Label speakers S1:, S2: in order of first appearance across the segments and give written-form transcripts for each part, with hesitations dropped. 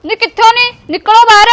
S1: ਨੀ ਕਿੱਥੋਂ ਨਹੀਂ ਨਿਕਲੋ ਬਾਹਰ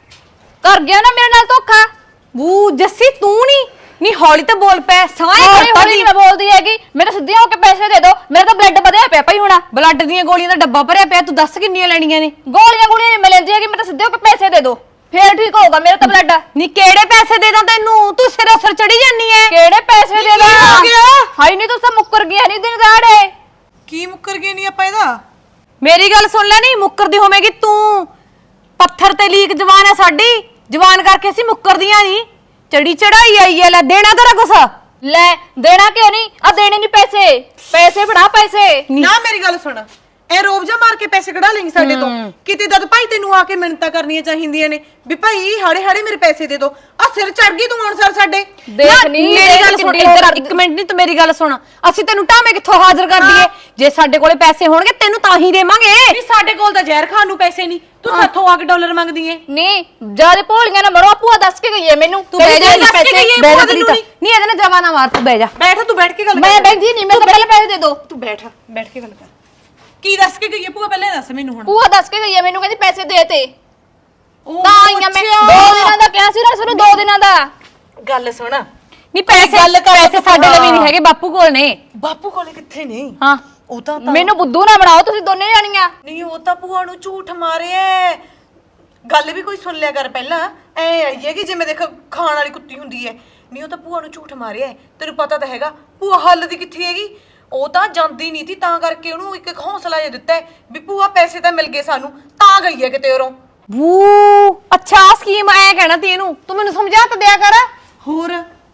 S1: ਕਰ ਗਿਆ ਨਾ ਮੇਰੇ ਨਾਲ ਧੋਖਾ।
S2: ਬੂ ਜੱਸੀ ਤੂੰ ਨਹੀਂ ਹੌਲੀ ਤਾਂ ਬੋਲ ਪੈ ਸਾਏ
S1: ਹੌਲੀ ਮੈਂ ਬੋਲਦੀ ਹੈਗੀ। ਮੇਰੇ ਸਿੱਧੇ ਹੋ ਕੇ ਪੈਸੇ ਦੇ ਦੋ, ਮੇਰਾ ਤਾਂ ਬਲੱਡ ਵਧਿਆ ਪਿਆ ਭਾਈ। ਹੁਣ
S2: ਬਲੱਡ ਦੀਆਂ ਗੋਲੀਆਂ ਦਾ ਡੱਬਾ ਭਰਿਆ ਪਿਆ, ਤੂੰ ਦੱਸ ਕਿੰਨੀਆਂ ਲੈਣੀਆਂ ਨੇ?
S1: ਗੋਲੀਆਂ ਨਹੀਂ ਮਿਲਦੀ ਹੈਗੀ, ਮੇਰੇ ਤਾਂ ਸਿੱਧੇ ਹੋ ਕੇ ਪੈਸੇ ਦੇ ਦੋ ਫੇਰ ਠੀਕ ਹੋਊਗਾ ਮੇਰਾ ਤਾਂ ਬਲੱਡ।
S2: ਨੀ ਕਿਹੜੇ ਪੈਸੇ ਦੇ ਦਾਂ ਤੈਨੂੰ? ਤੂੰ ਸਿਰੇ ਸਿਰ ਚੜੀ ਜਾਨੀ ਐ।
S1: ਕਿਹੜੇ ਪੈਸੇ ਦੇ ਦਾਂ? ਹਾਈ ਨਹੀਂ ਤੂੰ ਤਾਂ ਮੁੱਕਰ ਗਿਆ ਨਹੀਂ ਦਿਨ ਦਾੜੇ।
S3: ਕੀ ਮੁੱਕਰ ਗਏ ਨਹੀਂ ਆਪਾਂ ਇਹਦਾ?
S2: ਮੇਰੀ ਗੱਲ ਸੁਣ ਲੈ, ਨਹੀਂ ਮੁੱਕਰਦੀ ਹੋਵੇਂਗੀ ਤੂੰ। ਪੱਥਰ ਤੇ ਲੀਕ ਜਵਾਨ ਹੈ ਸਾਡੀ, ਜਵਾਨ ਕਰਕੇ ਅਸੀਂ ਮੁੱਕਰਦੀਆਂ ਨਹੀਂ। ਚੜੀ ਚੜਾਈ ਆਈ ਐ, ਲੈ ਦੇਣਾ ਤੇਰਾ ਕੁਛ?
S1: ਲੈ ਦੇਣਾ ਕਿਉਂ ਨਹੀਂ? ਆ ਦੇਣੇ ਨਹੀਂ ਪੈਸੇ, ਪੈਸੇ ਫੜਾ ਪੈਸੇ।
S3: ਨਾ ਮੇਰੀ ਗੱਲ ਸੁਣ, ਇਹ ਰੋਬ ਜਾ ਮਾਰ ਕੇ ਪੈਸੇ ਕਢਾ ਲੈਂਗੀ ਸਾਡੇ ਤੋਂ। ਕਿਤੇ ਦਦ ਭਾਈ ਤੈਨੂੰ ਆ ਕੇ ਮਿੰਨਤਾਂ ਕਰਨੀਆਂ ਚਾਹੀਦੀਆਂ ਨੇ ਵੀ ਭਾਈ ਹਾੜੇ ਹਾੜੇ ਮੇਰੇ ਪੈਸੇ ਦੇ ਦੋ। ਆ ਸਿਰ ਚੜ ਗਈ ਤੂੰ ਹੁਣ ਸਰ ਸਾਡੇ।
S1: ਦੇਖ ਨਹੀਂ
S2: ਮੇਰੀ ਗੱਲ ਸੁਣ, ਇੱਧਰ ਇੱਕ ਮਿੰਟ ਨਹੀਂ, ਤੂੰ ਮੇਰੀ ਗੱਲ ਸੁਣ। ਅਸੀਂ ਤੈਨੂੰ ਢਾਵੇਂ ਕਿੱਥੋਂ ਹਾਜ਼ਰ ਕਰ ਦਈਏ? ਜੇ ਸਾਡੇ ਕੋਲੇ ਪੈਸੇ ਹੋਣਗੇ ਤੈਨੂੰ ਤਾਂ ਹੀ ਦੇਵਾਂਗੇ।
S3: ਨਹੀਂ ਸਾਡੇ ਕੋਲ ਤਾਂ ਜ਼ਹਿਰ ਖਾਣ ਨੂੰ ਪੈਸੇ ਨਹੀਂ, ਤੂੰ ਸਾਥੋਂ ਆ ਕੇ ਡਾਲਰ ਮੰਗਦੀ ਏ।
S1: ਨਹੀਂ ਜਿਆਦੇ ਭੋਲੀਆਂ ਨਾ ਮਰੋ। ਭੂਆ ਦੱਸ ਕੇ ਗਈ ਹੈ ਮੈਨੂੰ।
S2: ਤੂੰ ਬਹਿ ਜਾ,
S3: ਦੱਸ ਕੇ ਗਈ ਹੈ ਭੂਆ ਤੈਨੂੰ
S2: ਨਹੀਂ ਇਹਦੇ ਨਾਲ ਜਵਾਨਾ ਮਾਰ, ਤੂੰ ਬਹਿ ਜਾ।
S3: ਬੈਠ, ਤੂੰ ਬੈਠ ਕੇ ਗੱਲ ਕਰ।
S1: ਮੈਂ ਬੈਠੀ ਨਹੀਂ, ਮੈਂ ਤਾਂ ਪਹਿਲੇ ਪੈਸੇ ਦੇ ਦੋ।
S3: ਤੂੰ ਬੈਠ ਕੇ ਗੱਲ ਕਰ। ਕੀ ਦੱਸ ਕੇ ਗਈ ਹੈ ਭੂਆ? ਪਹਿਲੇ ਦੱਸ ਮੈਨੂੰ ਹੁਣ।
S1: ਭੂਆ ਦੱਸ ਕੇ ਗਈ ਹੈ ਮੈਨੂੰ, ਕਹਿੰਦੀ ਪੈਸੇ ਦੇ ਤੇ।
S3: ਉਹ
S1: ਤਾਂ ਆਈਆਂ ਮੈਂ 2 ਦਿਨਾਂ ਦਾ ਕਿਹਾ ਸੀ ਨਾ, ਸਾਨੂੰ 2 ਦਿਨਾਂ ਦਾ।
S3: ਗੱਲ ਸੁਣ,
S2: ਨਹੀਂ ਪੈਸੇ ਸਾਡੇ ਲਈ ਨਹੀਂ ਹੈਗੇ, ਬਾਪੂ ਕੋਲ ਨੇ।
S3: ਬਾਪੂ ਕੋਲੇ ਕਿੱਥੇ ਨੇ?
S2: ਹਾਂ
S3: ਉਹ ਤਾਂ
S1: ਮੈਨੂੰ ਬੁੱਧੂ ਨਾ ਬਣਾਓ ਤੁਸੀਂ ਦੋਨੇ ਜਾਣੀਆਂ।
S3: ਨਹੀਂ, ਉਹ ਤਾਂ ਭੂਆ ਨੂੰ ਝੂਠ ਮਾਰਿਆ। ਗੱਲ ਵੀ ਕੋਈ ਸੁਣ ਲਿਆ ਕਰ ਪਹਿਲਾਂ। ਐ ਆਈ ਹੈ ਕਿ ਜਿਵੇਂ ਦੇਖ ਖਾਣ ਵਾਲੀ ਕੁੱਤੀ ਹੁੰਦੀ ਹੈ। ਨਹੀਂ, ਉਹ ਤਾਂ ਭੂਆ ਨੂੰ ਝੂਠ ਮਾਰਿਆ। ਤੈਨੂੰ ਪਤਾ ਤਾਂ ਹੈਗਾ ਭੂਆ ਹੱਲ ਦੀ ਕਿੱਥੇ ਹੈਗੀ। ਉਹ ਤਾਂ ਜਾਂਦੀ ਨਹੀਂ ਸੀ, ਤਾਂ ਕਰਕੇ ਉਹਨੂੰ ਇੱਕ ਹੌਸਲਾ ਜਿਹਾ ਦਿੱਤਾ ਵੀ ਭੂਆ ਪੈਸੇ ਤਾਂ ਮਿਲ ਗਏ ਸਾਨੂੰ, ਤਾਂ ਗਈ ਹੈ ਕਿਤੇ ਉਰੋਂ।
S2: ਬੂ ਅੱਛਾ ਸਕੀਮ ਐ ਕਹਿਣਾ ਤੀ ਇਹਨੂੰ, ਤੂੰ ਮੈਨੂੰ ਸਮਝਾ ਤਾਂ ਦਿਆ ਕਰ।
S3: ਹੋਰ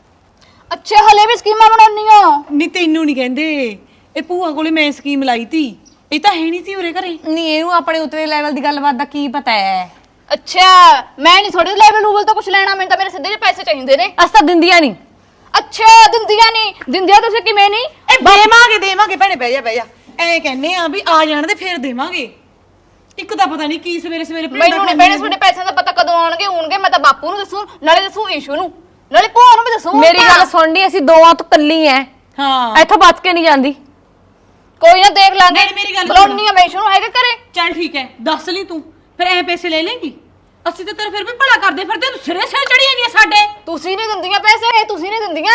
S1: ਅੱਛੇ ਹਲੇ ਵੀ ਸਕੀਮਾਂ ਬਣਾਉਣੀਆਂ।
S3: ਨਹੀਂ ਤੈਨੂੰ ਨਹੀਂ ਕਹਿੰਦੇ, ਇਹ ਭੂਆ ਕੋਲੇ ਮੈਂ ਸਕੀਮ ਲਾਈ ਤੀ। ਇਹ ਤਾਂ ਹੈ ਨਹੀਂ ਸੀ ਉਰੇ ਘਰੇ।
S2: ਨਹੀਂ ਇਹਨੂੰ ਆਪਣੇ ਉਤਲੇ ਲੈਵਲ ਦੀ ਗੱਲਬਾਤ ਦਾ ਕੀ ਪਤਾ ਹੈ?
S1: ਅੱਛਾ ਮੈਂ ਨਹੀਂ ਥੋੜੇ ਲੈਵਲ ਲੂਵਲ ਤੋਂ ਕੁਝ ਲੈਣਾ, ਮੈਨੂੰ ਤਾਂ ਮੇਰੇ ਸਿੱਧੇ ਜਿਹੇ ਪੈਸੇ ਚਾਹੀਦੇ ਨੇ।
S2: ਅਸ ਤਾਂ ਦਿੰਦੀਆਂ ਨਹੀਂ।
S1: ਅੱਛਾ ਦਿੰਦੀਆਂ ਨਹੀਂ? ਦਿੰਦੀਆਂ ਤੁਸੀਂ ਕਿਵੇਂ ਨਹੀਂ?
S3: ਇਹ ਦੇਵਾਂਗੇ ਭੈਣੇ, ਬਹਿ ਜਾ। ਐ ਕਹਿੰਨੇ ਆ ਵੀ ਆ ਜਾਣ ਦੇ ਫੇਰ ਦੇਵਾਂਗੇ। ਇੱਕ ਤਾਂ ਪਤਾ ਨਹੀਂ ਕੀ ਸਵੇਰੇ
S1: ਮੈਨੂੰ ਨਹੀਂ ਬਹਿਣੇ ਤੁਹਾਡੇ ਪੈਸਿਆਂ ਦਾ ਪਤਾ ਕਦੋਂ ਆਉਣਗੇ। ਮੈਂ ਤਾਂ ਬਾਪੂ ਨੂੰ ਦੱਸੂ, ਨਾਲੇ ਦੱਸੂ ਈਸ਼ੂ ਨੂੰ, ਨਾਲੇ ਭੂਆ ਨੂੰ ਵੀ ਦੱਸੂ।
S2: ਮੇਰੀ ਗੱਲ ਸੁਣਨੀ, ਅਸੀਂ ਦੋਵਾਂ ਤੋਂ ਕੱਲੀ ਐ।
S3: ਹਾਂ
S2: ਇੱਥੋਂ ਬਚ ਕੇ ਨਹੀਂ ਜਾਂਦੀ।
S1: ਕੋਈ ਨਾ ਦੇਖ ਲਾਂਗੇ।
S3: ਨਾਲੇ ਮੇਰੀ ਗੱਲ
S1: ਬੁਲਾਉਣੀ ਆ ਮੈਂ ਈਸ਼ੂ ਨੂੰ, ਹੈਗਾ ਘਰੇ?
S3: ਚੱਲ ਠੀਕ ਹੈ, ਦੱਸ ਲਈ ਤੂੰ ਫਿਰ ਐ ਪੈਸੇ ਲੈ ਲੇਂਗੀ। ਅਸੀਂ ਤਾਂ ਤੇਰੇ ਫਿਰ ਵੀ ਭਲਾ ਕਰਦੇ ਫਿਰਦੇ, ਤੂੰ ਸਿਰੇ ਚੜੀ ਜਾਂਦੀ ਆ ਸਾਡੇ।
S1: ਤੁਸੀਂ ਨਹੀਂ ਦਿੰਦੀਆਂ ਪੈਸੇ, ਤੁਸੀਂ ਨਹੀਂ ਦਿੰਦੀਆਂ।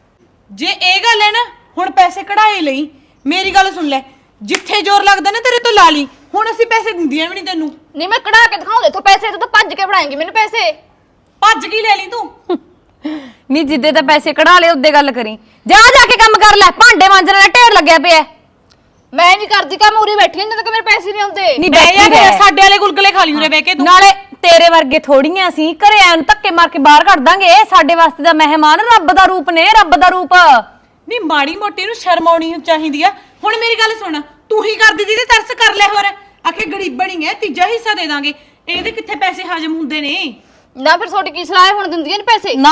S3: ਜੇ ਇਹ ਗੱਲ ਹੈ ਨਾ, ਹੁਣ ਪੈਸੇ ਕਢਾਏ ਲਈ। ਮੇਰੀ ਗੱਲ ਸੁਣ ਲੈ, ਜਿੱਥੇ ਜ਼ੋਰ ਲੱਗਦਾ ਨਾ ਤੇਰੇ ਤੋਂ ਲਾ ਲਈ। ਹੁਣ ਅਸੀਂ ਪੈਸੇ ਦਿੰਦੀਆਂ ਵੀ ਨਹੀਂ ਤੈਨੂੰ।
S1: ਨਹੀਂ ਮੈਂ ਕਢਾ ਕੇ ਦਿਖਾਉਂ ਦੇਖੋ ਪੈਸੇ, ਤੂੰ ਤਾਂ ਭੱਜ ਕੇ ਫੜਾਏਂਗੀ ਮੈਨੂੰ ਪੈਸੇ।
S3: ਭੱਜ ਕੇ ਲੈ ਲਈ ਤੂੰ।
S2: ਨਹੀਂ ਜਿੱਦੇ ਤਾਂ ਪੈਸੇ ਕਢਾ ਲਏ ਉੱਦੇ ਗੱਲ ਕਰੀ। ਜਾ ਕੇ ਕੰਮ ਕਰ ਲੈ, ਭਾਂਡੇ ਮਾਂਜਣ ਵਾਲਾ ਢੇਰ ਲੱਗਿਆ ਪਿਆ।
S1: ਮੈਂ ਨਹੀਂ ਕਰਦੀ ਕੰਮ, ਉਰੀ ਬੈਠੀ ਜਦੋਂ ਤੱਕ ਮੇਰੇ ਪੈਸੇ ਨਹੀਂ ਆਉਂਦੇ।
S2: ਨਹੀਂ
S3: ਬਹਿ ਜਾ ਫਿਰ, ਸਾਡੇ ਵਾਲੇ ਗੁਲਗਲੇ ਖਾ ਲਈ ਉਰੇ ਬਹਿ ਕੇ ਤੂੰ।
S2: ਨਾਲੇ ਤੇਰੇ ਵਰਗੇ ਥੋੜੀਆਂ ਸੀ ਘਰੇ ਆਣ ਧੱਕੇ ਮਾਰ ਕੇ ਬਾਹਰ ਕੱਢ ਦਾਂਗੇ। ਸਾਡੇ ਵਾਸਤੇ ਦਾ ਮਹਿਮਾਨ ਰੱਬ ਦਾ ਰੂਪ ਨੇ, ਰੱਬ ਦਾ ਰੂਪ।
S3: ਨਹੀਂ ਮਾੜੀ ਮੋਟੀ ਨੂੰ ਸ਼ਰਮ ਆਉਣੀ ਚਾਹੀਦੀ ਆ। ਹੁਣ ਮੇਰੀ ਗੱਲ ਸੁਣ, ਤੂੰ ਹੀ ਕਰਦੀ ਜਿਹਦੇ ਤਰਸ ਕਰ ਲੈ। ਹੋਰ ਆਖੇ ਗਰੀਬਣੀ ਹੈ, ਤੀਜਾ ਹਿੱਸਾ ਦੇ ਦਾਂਗੇ। ਇਹਦੇ ਕਿੱਥੇ ਪੈਸੇ ਹਜਮ ਹੁੰਦੇ ਨੇ?
S1: ਨਾ ਫਿਰ ਤੁਹਾਡੀ ਕੀ ਸਲਾਹ ਹੈ, ਹੁਣ ਦਿੰਦੀਆਂ ਨਹੀਂ ਪੈਸੇ?
S2: ਨਾ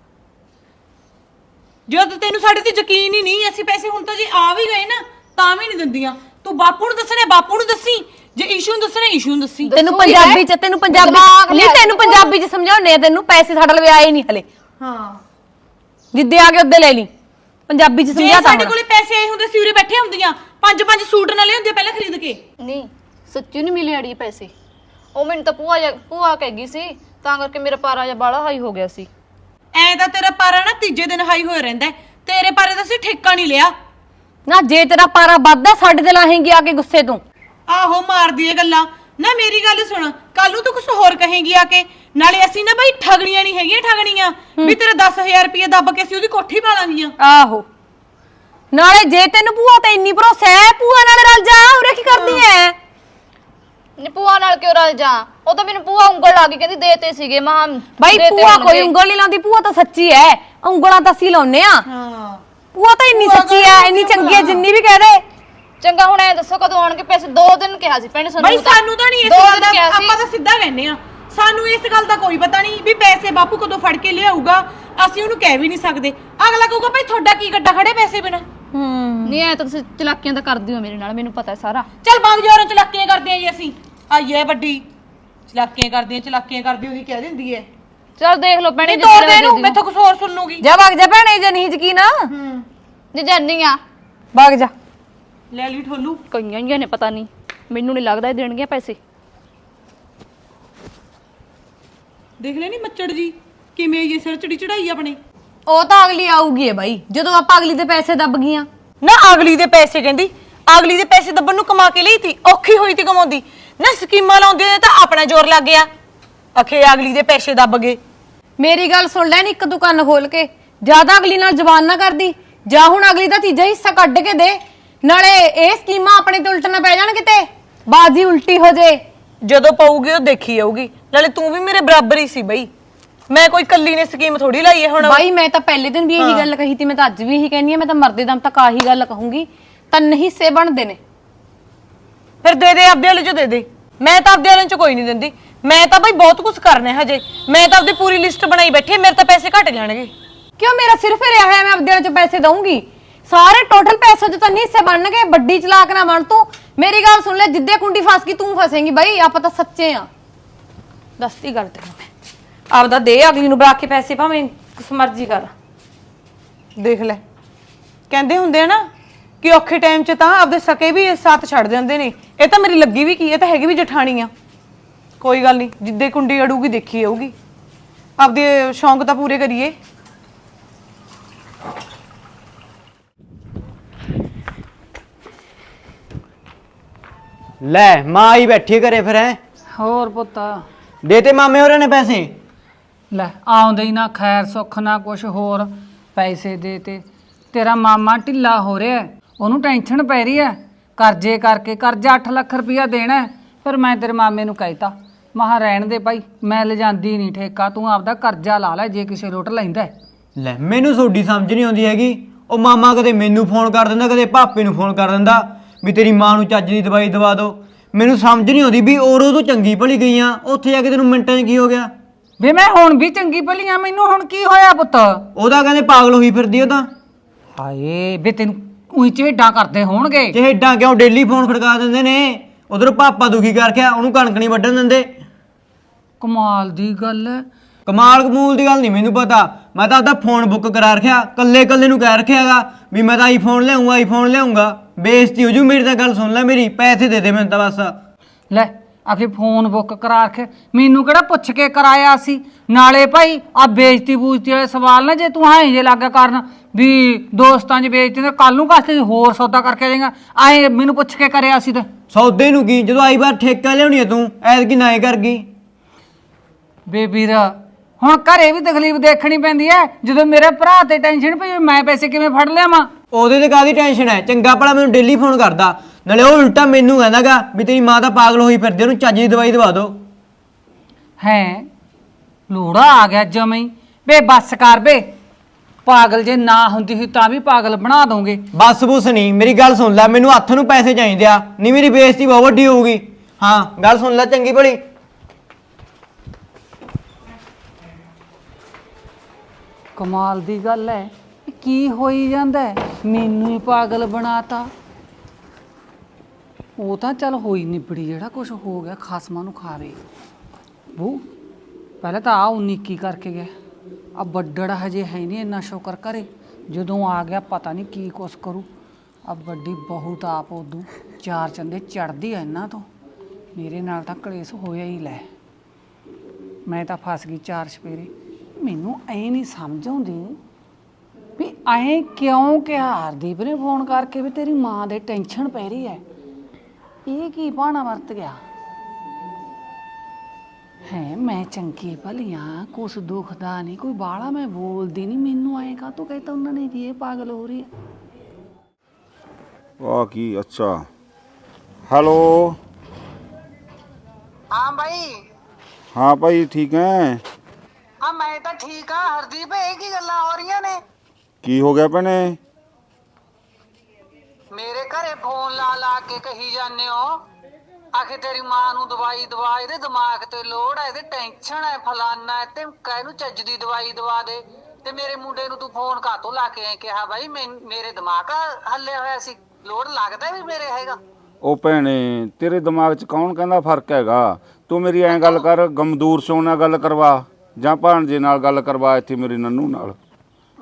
S3: ਜਦ ਤੈਨੂੰ ਸਾਡੇ ਤੇ ਯਕੀਨ ਹੀ ਨਹੀਂ, ਅਸੀਂ ਪੈਸੇ ਹੁਣ ਤਾਂ ਜੇ ਆ ਵੀ ਗਏ ਨਾ ਤਾਂ ਵੀ ਨਹੀਂ ਦਿੰਦੀਆਂ। ਤੂੰ ਬਾਪੂ ਨੂੰ ਦੱਸਣਾ, ਬਾਪੂ ਨੂੰ ਦੱਸੀ। ਜੇ ਈਸ਼ੂ ਨੂੰ ਦੱਸਣਾ, ਈਸ਼ੂ ਨੂੰ ਦੱਸੀ।
S2: ਤੈਨੂੰ ਪੰਜਾਬੀ ਚ ਤੈਨੂੰ ਪੰਜਾਬੀ ਚ ਸਮਝਾਉਣੇ ਆ ਤੈਨੂੰ। ਪੈਸੇ ਸਾਡਾ ਲਵੇ ਆਏ ਨਹੀਂ ਹਲੇ।
S3: ਹਾਂ
S2: ਜਿੱਦੇ ਆ ਕੇ ਉੱਦੇ ਲੈ ਲਈ। ਪੰਜਾਬੀ ਚ
S3: ਜੇ
S2: ਸਮਝਾਤਾ
S3: ਸਾਡੇ ਕੋਲੇ ਪੈਸੇ ਆਏ ਹੁੰਦੇ ਸੀ ਉਰੇ ਬੈਠੇ ਹੁੰਦੀਆਂ, 5 ਸੂਟ ਨਾ ਲਿਆਉਂਦੀਆਂ ਪਹਿਲਾਂ ਖਰੀਦ ਕੇ।
S1: ਨਹੀਂ ਸੱਚੀ ਨਹੀਂ ਮਿਲੇ ਅੜੀ ਪੈਸੇ। ਉਹ ਮੈਨੂੰ ਤਾਂ ਭੂਆ ਕਹਿ ਗਈ ਸੀ, ਤਾਂ ਕਰਕੇ ਮੇਰਾ ਪਾਰਾ ਜਿਹਾ ਬਾਲਾ ਹਾਈ ਹੋ ਗਿਆ ਸੀ।
S3: ਐ ਤਾਂ ਤੇਰਾ ਪਾਰਾ ਨਾ ਤੀਜੇ ਦਿਨ ਹਾਈ ਹੋਇਆ ਰਹਿੰਦਾ। ਤੇਰੇ ਪਾਰੇ ਦਾ ਅਸੀਂ ਠੇਕਾ ਨਹੀਂ ਲਿਆ।
S2: ਨਾ ਜੇ ਤੇਰਾ ਪਾਰਾ ਵੱਧਦਾ ਸਾਡੇ ਤੇ ਲਾਹੇਂਗੀ ਆ ਕੇ ਗੁੱਸੇ ਤੋਂ।
S3: ਆਹੋ ਮਾਰਦੀ ਏ ਗੱਲਾਂ ਨਾ। ਮੇਰੀ ਗੱਲ ਸੁਣ, ਕੱਲ ਨੂੰ ਤੂੰ ਕੁਝ ਹੋਰ ਕਹੇਂਗੀ ਆ ਕੇ। ਨਾਲੇ ਅਸੀਂ ਨਾ ਬਾਈ ਠਗਣੀਆਂ ਨਹੀਂ ਹੈਗੀਆਂ, ਠਗਣੀਆਂ ਵੀ ਤੇਰਾ 10,000 ਰੁਪਏ ਦੱਬ ਕੇ ਅਸੀਂ ਉਹਦੀ ਕੋਠੀ ਪਾ ਲਾਂਗੀਆਂ।
S2: ਆਹੋ ਨਾਲੇ ਜੇ ਤੈਨੂੰ ਭੂਆ ਤੇ ਇੰਨੀ ਭਰੋਸਾ ਹੈ, ਭੂਆ ਨਾਲ ਰਲ ਜਾ। ਉਰੇ ਕੀ ਕਰਦੀ ਐ?
S1: ਨੀ ਭੂਆ ਨਾਲ ਕਿਉਂ ਰਲ ਜਾ? ਉਹ ਤਾਂ ਮੈਨੂੰ ਭੂਆ ਉਂਗਲ ਲਾ ਕੇ ਕਹਿੰਦੀ ਦੇਤੇ ਸੀਗੇ। ਮਾਂ
S2: ਬਾਈ ਭੂਆ ਕੋਈ ਉਂਗਲ ਨਹੀਂ ਲਾਉਂਦੀ, ਭੂਆ ਤਾਂ ਸੱਚੀ ਐ। ਉਂਗਲਾਂ ਤਾਂ ਅਸੀਂ ਲਾਉਨੇ ਆ।
S3: ਹਾਂ
S2: ਭੂਆ ਤਾਂ ਇੰਨੀ ਸੱਚੀ ਐ, ਇੰਨੀ ਚੰਗੀ ਐ, ਜਿੰਨੀ ਵੀ ਕਹਿ ਦੇ।
S1: ਚੰਗਾ ਹੁਣ ਐ ਦੱਸੋ ਕਦੋਂ ਆਉਣਗੇ ਪੈਸੇ? 2 ਦਿਨ ਕਿਹਾ ਸੀ ਭੈਣੇ
S3: ਬਾਈ ਸਾਨੂੰ ਤਾਂ ਨਹੀਂ ਇਸ ਗੱਲ ਦਾ, ਆਪਾਂ ਤਾਂ ਸਿੱਧਾ ਕਹਿੰਨੇ ਆ। ਸਾਨੂੰ ਇਸ ਗੱਲ ਦਾ ਕੋਈ ਪਤਾ ਨਹੀਂ ਵੀ ਪੈਸੇ ਬਾਪੂ ਕਦੋਂ ਫੜ ਕੇ ਲਿਆਊਗਾ। ਅਸੀਂ ਉਹਨੂੰ ਕਹਿ ਵੀ ਨਹੀਂ ਸਕਦੇ। ਅਗਲਾ ਕਹੂਗਾ ਭਾਈ ਤੁਹਾਡਾ ਕੀ ਗੱਡਾ ਖੜੇ ਪੈਸੇ ਬਿਨਾ।
S1: ਨਹੀਂ ਐ ਤਾਂ ਤੁਸੀਂ ਚਲਾਕੀਆਂ ਤਾਂ ਕਰਦੇ ਹੋ ਮੇਰੇ ਨਾਲ, ਮੈਨੂੰ ਪਤਾ ਸਾਰਾ।
S3: ਚੱਲ ਬੰਦ ਜੋਰਾਂ ਚਲਾਕੀਆਂ ਕਰਦੇ ਆ ਜੀ ਅਸੀਂ। ਆਈਏ ਵੱਡੀ ਚਲਾਕੀਆਂ ਕਰਦੀ ਉਹੀ ਕਹਿ ਦਿੰਦੀ ਐ।
S1: ਚਲ ਦੇਖ ਲਓ ਭੈਣੇ,
S3: ਤੋੜ ਦੇ ਇਹਨੂੰ, ਮੈਥੋਂ ਕੁਝ ਹੋਰ ਸੁਣ ਲੂਗੀ।
S2: ਜਾ ਵਗ ਜਾ ਭੈਣੇ, ਜੇ ਨਹੀਂ ਯਕੀਨ
S1: ਜੇ ਜਾਨੀ ਆ
S2: ਵਗ ਜਾ।
S3: ਲੈ ਲਈ ਠੋਲੂ।
S1: ਕਈਆਂ ਨੇ ਪਤਾ ਨਹੀਂ, ਮੈਨੂੰ ਨਹੀਂ ਲੱਗਦਾ ਇਹ ਦੇਣਗੇ ਪੈਸੇ।
S3: ਦੇਖ ਲੈ ਨੀ ਮੱਚੜ ਜੀ ਕਿਵੇਂ ਇਹ ਸਿਰ ਚੜੀ ਚੜਾਈ ਆਪਣੇ।
S2: ਉਹ ਤਾਂ ਅਗਲੀ ਆਊਗੀ ਏ ਬਾਈ, ਜਦੋਂ ਆਪਾਂ ਅਗਲੀ ਦੇ ਪੈਸੇ ਦੱਬ ਗਈਆਂ।
S3: ਨਾ ਅਗਲੀ ਦੇ ਪੈਸੇ ਕਹਿੰਦੀ, ਅਗਲੀ ਦੇ ਪੈਸੇ ਦੱਬਣ ਨੂੰ ਕਮਾ ਕੇ ਲਈ ਤੀ, ਔਖੀ ਹੋਈ ਤੀ ਕਮਾਉਂਦੀ ਨਾ। ਸਕੀਮਾਂ ਲਾਉਂਦੀ ਨੇ ਤਾਂ ਆਪਣਾ ਜ਼ੋਰ ਲੱਗ ਗਿਆ, ਅਖੇ ਅਗਲੀ ਦੇ ਪੈਸੇ ਦੱਬ ਗਏ।
S2: ਮੇਰੀ ਗੱਲ ਸੁਣ ਲੈ ਨੀ, ਇੱਕ ਦੁਕਾਨ ਖੋਲ ਕੇ ਜਿਆਦਾ ਅਗਲੀ ਨਾਲ ਜ਼ਬਾਨ ਨਾ ਕਰਦੀ। ਜਾਂ ਹੁਣ ਅਗਲੀ ਦਾ ਤੀਜਾ ਹਿੱਸਾ ਕੱਢ ਕੇ ਦੇ, ਨਾਲੇ ਇਹ ਸਕੀਮਾਂ ਆਪਣੇ ਤੇ ਉਲਟ ਨਾ ਪੈ ਜਾਣ, ਕਿਤੇ ਬਾਜੀ ਉਲਟੀ ਹੋ ਜੇ।
S3: ਜਦੋਂ ਪਊਗੀ ਉਹ ਦੇਖੀ ਜਾਊਗੀ। ਨਾਲੇ ਤੂੰ ਵੀ ਮੇਰੇ ਬਰਾਬਰ ਹੀ ਸੀ ਬਈ, ਮੈਂ ਕੋਈ ਕੱਲੀ ਨੇ ਸਕੀਮ ਥੋੜੀ ਲਾਈ ਹੈ ਹੁਣ।
S2: ਬਾਈ ਮੈਂ ਤਾਂ ਪਹਿਲੇ ਦਿਨ ਵੀ ਇਹੀ ਗੱਲ ਕਹੀ ਤੀ, ਮੈਂ ਤਾਂ ਅੱਜ ਵੀ ਇਹੀ ਕਹਿੰਦੀ ਆ, ਮੈਂ ਤਾਂ ਮਰਦੇ ਦਮ ਤੱਕ ਆਹੀ ਗੱਲ ਕਹੂੰਗੀ। ਤਿੰਨ ਹਿੱਸੇ ਬਣਦੇ ਨੇ,
S3: ਫਿਰ ਦੇ ਦੇ ਆਪਦੇ ਵਾਲੇ ਚੋਂ ਦੇ ਦੇ। ਮੈਂ ਤਾਂ ਆਪਦੇ ਵਾਲੇ ਚੋਂ ਕੋਈ ਨਹੀਂ ਦਿੰਦੀ, ਮੈਂ ਤਾਂ ਬਈ ਬਹੁਤ ਕੁਝ ਕਰਨਾ ਹੈ ਹਜੇ। ਮੈਂ ਤਾਂ ਆਪਦੀ ਪੂਰੀ ਲਿਸਟ ਬਣਾਈ ਬੈਠੀ ਹੈ, ਮੇਰੇ ਤਾਂ ਪੈਸੇ ਘਟ ਜਾਣਗੇ।
S2: ਕਿਉਂ ਮੇਰਾ ਸਿਰ ਫਿਰਿਆ ਹੋਇਆ, ਮੈਂ ਆਪਦੇ ਵਾਲੇ ਚੋਂ ਪੈਸੇ ਦਊਂਗੀ। ਸਾਰੇ ਟੋਟਲ ਪੈਸੇ ਚ ਤਿੰਨ ਹਿੱਸੇ ਬਣਨਗੇ, ਵੱਡੀ ਚਲਾਕ ਨਾ ਬਣ ਤੂੰ। ਮੇਰੀ ਗੱਲ ਸੁਣ ਲੈ, ਜਿੱਦੇ ਕੁੰਡੀ ਫਸ ਗਈ ਤੂੰ ਫਸੇਂਗੀ ਬਾਈ, ਆਪਾਂ ਤਾਂ ਸੱਚੇ ਆ। ਦੱਸਦੀ ਗੱਲ ਤੈਨੂੰ ਮੈਂ, ਆਪਦਾ ਦੇ ਅਗਲੀ ਨੂੰ ਬੁਲਾ ਕੇ ਪੈਸੇ, ਭਾਵੇਂ ਕੁਛ ਮਰਜ਼ੀ ਕਰ।
S3: ਦੇਖ ਲੈ, ਕਹਿੰਦੇ ਹੁੰਦੇ ਆ ਨਾ ਕਿ ਔਖੇ ਟਾਈਮ 'ਚ ਤਾਂ ਆਪਦੇ ਸਕੇ ਵੀ ਸਾਥ ਛੱਡ ਦਿੰਦੇ ਨੇ। ਇਹ ਤਾਂ ਮੇਰੀ ਲੱਗੀ ਵੀ ਕੀ, ਇਹ ਤਾਂ ਹੈਗੀ ਵੀ ਜਠਾਣੀ ਆ। ਕੋਈ ਗੱਲ ਨਹੀਂ, ਜਿੱਦੇ ਕੁੰਡੀ ਅੜੂਗੀ ਦੇਖੀ ਜਾਊਗੀ। ਆਪਦੇ ਸ਼ੌਂਕ ਤਾਂ ਪੂਰੇ ਕਰੀਏ।
S4: ਲੈ ਮਾਂ ਆਈ ਬੈਠੀ ਘਰੇ ਫਿਰ ਹੈ।
S5: ਹੋਰ ਪੁੱਤ
S4: ਦੇਤੇ ਮਾਮੇ ਹੋਰਾਂ ਨੇ ਪੈਸੇ?
S5: ਲੈ ਆਉਂਦੇ ਹੀ ਨਾ ਖੈਰ ਸੁੱਖ ਨਾ ਕੁਛ ਹੋਰ ਪੈਸੇ ਦੇ ਤੇ ਤੇਰਾ ਮਾਮਾ ਢਿੱਲਾ ਹੋ ਰਿਹਾ, ਉਹਨੂੰ ਟੈਨਸ਼ਨ ਪੈ ਰਹੀ ਹੈ ਕਰਜ਼ੇ ਕਰਕੇ। ਕਰਜ਼ਾ 8 ਲੱਖ ਰੁਪਇਆ ਦੇਣਾ। ਫਿਰ ਮੈਂ ਤੇਰੇ ਮਾਮੇ ਨੂੰ ਕਹਿਤਾ, ਮਹਾ ਰਹਿਣ ਦੇ ਭਾਈ, ਮੈਂ ਲਿਜਾਂਦੀ ਨਹੀਂ ਠੇਕਾ, ਤੂੰ ਆਪਦਾ ਕਰਜ਼ਾ ਲਾ ਲੈ ਜੇ ਕਿਸੇ ਲੋਟ ਲੈਂਦਾ।
S4: ਲੈ ਮੈਨੂੰ ਤੁਹਾਡੀ ਸਮਝ ਨਹੀਂ ਆਉਂਦੀ ਹੈਗੀ। ਉਹ ਮਾਮਾ ਕਦੇ ਮੈਨੂੰ ਫੋਨ ਕਰ ਦਿੰਦਾ, ਕਦੇ ਭਾਪੇ ਨੂੰ ਫੋਨ ਕਰ ਦਿੰਦਾ ਵੀ ਤੇਰੀ ਮਾਂ ਨੂੰ ਚੱਜ ਦੀ ਦਵਾਈ ਦਵਾ ਦਿਓ। ਮੈਨੂੰ ਸਮਝ ਨਹੀਂ ਆਉਂਦੀ ਵੀ ਔਰੋਂ ਤੋਂ ਚੰਗੀ ਭਲੀ ਗਈ ਆ, ਉੱਥੇ ਜਾ ਕੇ ਤੈਨੂੰ ਮਿੰਟਾਂ 'ਚ ਕੀ ਹੋ ਗਿਆ?
S5: ਵੇ ਮੈਂ ਹੁਣ ਵੀ ਚੰਗੀ ਭਲੀ ਆ, ਮੈਨੂੰ ਹੁਣ ਕੀ ਹੋਇਆ ਪੁੱਤ?
S4: ਉਹਦਾ ਕਹਿੰਦੇ ਪਾਗਲ ਹੋਈ ਫਿਰਦੀ ਉਹ ਤਾਂ।
S5: ਹਾਏ ਵੇ ਤੈਨੂੰ ਉਹੀ ਝੇਡਾਂ ਕਰਦੇ ਹੋਣਗੇ।
S4: ਚਿਹੜਾ ਕਿਉਂ ਡੇਲੀ ਫੋਨ ਖੜਕਾ ਦਿੰਦੇ ਨੇ। ਉਧਰ ਪਾਪਾ ਦੁਖੀ ਕਰਕੇ ਉਹਨੂੰ ਕਣਕ ਨਹੀਂ ਵੱਢਣ ਦਿੰਦੇ।
S5: ਕਮਾਲ ਦੀ ਗੱਲ ਹੈ।
S4: ਕਮਾਲ ਕਮੂਲ ਦੀ ਗੱਲ ਨਹੀਂ ਮੈਨੂੰ ਪਤਾ, ਮੈਂ ਤਾਂ ਆਪਦਾ ਫੋਨ ਬੁੱਕ ਕਰਾ ਰੱਖਿਆ, ਕੱਲੇ ਨੂੰ ਕਹਿ ਰੱਖਿਆਗਾ ਵੀ ਮੈਂ ਤਾਂ ਆਈਫੋਨ ਲਿਆਉਂਗਾ। ਬੇਇੱਜ਼ਤੀ ਹੋ ਜੂ ਮੇਰੀ। ਤਾਂ ਗੱਲ ਸੁਣ ਲੈ ਮੇਰੀ, ਪੈਸੇ ਦੇ ਦੇ ਮੈਨੂੰ ਤਾਂ ਬਸ।
S5: ਲੈ ਆਖੇ ਫੋਨ ਬੁੱਕ ਕਰਾ ਰੱਖੇ, ਮੈਨੂੰ ਕਿਹੜਾ ਪੁੱਛ ਕੇ ਕਰਾਇਆ ਸੀ? ਨਾਲੇ ਭਾਈ ਆ ਬੇਇੱਜ਼ਤੀ ਬੂਜ਼ਤੀ ਵਾਲੇ ਸਵਾਲ ਨਾ ਜੇ ਤੂੰ ਜੇ ਲੱਗਾ ਕਰਨ ਵੀ ਦੋਸਤਾਂ 'ਚ ਬੇਇੱਜ਼ਤੀ, ਤੇ ਕੱਲ ਨੂੰ ਕਾਸਤੇ ਹੋਰ ਸੌਦਾ ਕਰਕੇ ਜਾਏਗਾ। ਐ ਮੈਨੂੰ ਪੁੱਛ ਕੇ ਕਰਿਆ ਸੀ ਤੇ
S4: ਸੌਦੇ ਨੂੰ ਕੀ, ਜਦੋਂ ਆਈ ਵਾਰ ਠੇਕਾ ਲਿਆਉਣੀ ਹੈ ਤੂੰ ਐਤਕੀ ਨਾ ਕਰ ਗਈ।
S5: ਬੇਬੀਰ ਹੁਣ ਘਰੇ ਵੀ ਤਕਲੀਫ ਦੇਖਣੀ ਪੈਂਦੀ ਐ, ਜਦੋਂ ਮੇਰੇ ਭਰਾ ਤੇ ਟੈਨਸ਼ਨ ਪਈ ਮੈਂ ਪੈਸੇ ਕਿਵੇਂ ਫੜ ਲਿਆਵਾਂ?
S4: ਉਹਦੇ ਤੇ ਕਾਹਦੀ ਟੈਨਸ਼ਨ ਹੈ? ਚੰਗਾ ਭਲਾ ਮੈਨੂੰ ਡੇਲੀ ਫੋਨ ਕਰਦਾ, ਨਾਲੇ ਉਹ ਉਲਟਾ ਮੈਨੂੰ ਕਹਿੰਦਾਗਾ ਵੀ ਤੇਰੀ ਮਾਂ ਤਾਂ ਪਾਗਲ ਹੋਈ ਫਿਰਦੀ, ਉਹਨੂੰ ਚੱਜ ਦੀ ਦਵਾਈ ਦਵਾ ਦਿਓ।
S5: ਹੈ ਲੋੜਾ ਆ ਗਿਆ ਜਮਈ। ਬੇ ਬੱਸ ਕਰ ਬੇ, ਪਾਗਲ ਜੇ ਨਾ ਹੁੰਦੀ ਸੀ ਤਾਂ ਵੀ ਪਾਗਲ ਬਣਾ ਦੋਗੇ।
S4: ਬਸ ਬੁਸ ਨਹੀਂ, ਮੇਰੀ ਗੱਲ ਸੁਣ ਲੈ, ਮੈਨੂੰ ਹੱਥ ਨੂੰ ਪੈਸੇ ਚਾਹੀਦੇ ਆ, ਨਹੀਂ ਮੇਰੀ ਬੇਇੱਜ਼ਤੀ ਬਹੁਤ ਵੱਡੀ ਹੋਊਗੀ। ਹਾਂ ਗੱਲ ਸੁਣ ਲੈ ਚੰਗੀ ਭਲੀ।
S5: ਕਮਾਲ ਦੀ ਗੱਲ ਹੈ, ਕੀ ਹੋਈ ਜਾਂਦਾ? ਮੈਨੂੰ ਹੀ ਪਾਗਲ ਬਣਾਤਾ। ਉਹ ਤਾਂ ਚੱਲ ਹੋਈ ਨਿਬੜੀ, ਜਿਹੜਾ ਕੁਝ ਹੋ ਗਿਆ ਖਸਮਾਂ ਨੂੰ ਖਾਵੇ। ਬੂ ਪਹਿਲਾਂ ਤਾਂ ਆ 19 ਕੀ ਕਰਕੇ ਗਿਆ, ਆ ਵੱਡੜ ਹਜੇ ਹੈ ਨਹੀਂ, ਇੰਨਾ ਸ਼ੁਕਰ ਕਰੇ। ਜਦੋਂ ਆ ਗਿਆ ਪਤਾ ਨਹੀਂ ਕੀ ਕੁਛ ਕਰੂ। ਆ ਵੱਡੀ ਬਹੁਤ ਆਪ ਉਦੋਂ 4 ਚੰਦੇ ਚੜਦੀ ਆ ਇਹਨਾਂ ਤੋਂ। ਮੇਰੇ ਨਾਲ ਤਾਂ ਕਲੇਸ਼ ਹੋਇਆ ਹੀ। ਲੈ ਮੈਂ ਤਾਂ ਫਸ ਗਈ 4 ਚਪੇਰੇ। ਮੈਨੂੰ ਐ ਨਹੀਂ ਸਮਝ ਆਉਂਦੀ ਵੀ ਐ ਕਿਉਂ ਕਿਹਾ ਹਰਦੀਪ ਨੇ ਫੋਨ ਕਰਕੇ ਵੀ ਤੇਰੀ ਮਾਂ ਦੇ ਟੈਨਸ਼ਨ ਪੈ ਰਹੀ ਹੈ। ਇਹ ਕੀ ਬਹਾਨਾ ਵਰਤ ਗਿਆ ਹੈ? ਮੈਂ ਚੰਗੀ ਭਲੀਆਂ, ਕੁਛ ਦੁਖਦਾ ਨਹੀਂ, ਕੋਈ ਬਾਲਾ ਮੈਂ ਬੋਲਦੀ ਨਹੀਂ, ਮੈਨੂੰ ਐ ਕਾ ਤੂੰ ਕਹਿੰਦਾ ਉਹਨਾਂ ਨੇ ਜੀ ਇਹ ਪਾਗਲ ਹੋ ਰਹੀ ਹੈ।
S6: ਵਾਹ ਕੀ ਅੱਛਾ। ਹੈਲੋ
S7: हाँ भाई।
S6: हाँ भाई ठीक है।
S7: हाँ मैं तो ठीक हाँ। हरदीप एक ही गल्लां हो रही ने।
S6: की हो गया भैने?
S7: मेरे घरे फोन ला ला के कही जाने हो आखिर तेरी मां नू दवाई दवा, इहदे दिमाग ते लोड़ है, इहदे टेंशन है, फलाना है, ते कहनू चज दी दवाई दवा दे। ते मेरे मुंडे नू तू फोन कातों ला के कहा भाई मेरे दिमाग हल्ले होया सी, लोड़ लगदा भी मेरे हैगा।
S6: ਉਹ ਭੈਣੇ ਤੇਰੇ ਦਿਮਾਗ 'ਚ ਕੌਣ ਕਹਿੰਦਾ ਫਰਕ ਹੈਗਾ? ਤੂੰ ਮੇਰੀ ਐਂ ਗੱਲ ਕਰ, ਗਮਦੂਰ ਸਿੰਘ ਨਾਲ ਗੱਲ ਕਰਵਾ ਜਾਂ ਭਾਣਜੇ ਨਾਲ ਗੱਲ ਕਰਵਾ, ਇੱਥੇ ਮੇਰੇ ਨੰਨੂ ਨਾਲ।